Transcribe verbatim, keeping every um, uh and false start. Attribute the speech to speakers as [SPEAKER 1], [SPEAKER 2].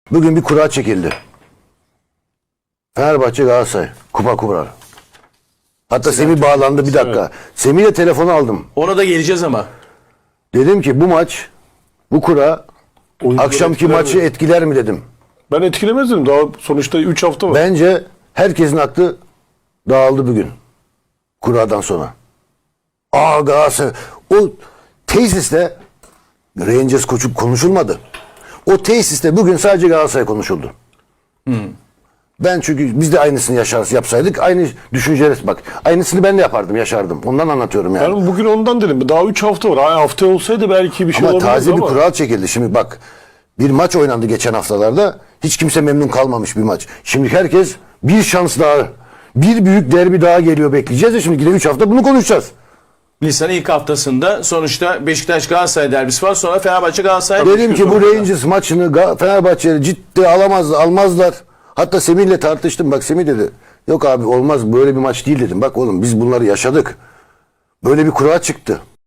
[SPEAKER 1] Bugün bir kura çekildi. Fenerbahçe Galatasaray. Kupa kurar. Hatta Semih bağlandı bir dakika. Semih'le telefonu aldım.
[SPEAKER 2] Ona da geleceğiz ama.
[SPEAKER 1] Dedim ki bu maç, bu kura
[SPEAKER 3] Oyuncuları
[SPEAKER 1] akşamki
[SPEAKER 3] etkiler
[SPEAKER 1] maçı
[SPEAKER 3] mi?
[SPEAKER 1] etkiler mi dedim.
[SPEAKER 3] Ben etkilemezdim. Daha sonuçta üç hafta var.
[SPEAKER 1] Bence herkesin aklı dağıldı bugün. Kuradan sonra. Aa Galatasaray. O tesiste Rangers koçu konuşulmadı. O tesiste bugün sadece Galatasaray konuşuldu. Ben çünkü biz de aynısını yaşarız yapsaydık aynı düşünceler bak. Aynısını ben de yapardım, yaşardım. Ondan anlatıyorum yani.
[SPEAKER 3] Ben bugün ondan dedim. Daha üç hafta var. Ay, hafta olsaydı belki bir şey
[SPEAKER 1] Ama
[SPEAKER 3] olabilirdi
[SPEAKER 1] taze bir
[SPEAKER 3] ama.
[SPEAKER 1] kural çekildi. Şimdi bak bir maç oynandı geçen haftalarda. Hiç kimse memnun kalmamış bir maç. Şimdi herkes bir şans daha, bir büyük derbi daha geliyor bekleyeceğiz ya şimdi üç hafta bunu konuşacağız.
[SPEAKER 2] Nisan'ın ilk haftasında sonuçta Beşiktaş Galatasaray derbisi var. Sonra Fenerbahçe Galatasaray.
[SPEAKER 1] Dedim ki bu Rangers maçını Ga- Fenerbahçe'ye ciddi alamaz, almazlar. Hatta Semih'le tartıştım. Bak Semih dedi. Yok abi olmaz böyle bir maç değil dedim. Bak oğlum biz bunları yaşadık. Böyle bir kura çıktı.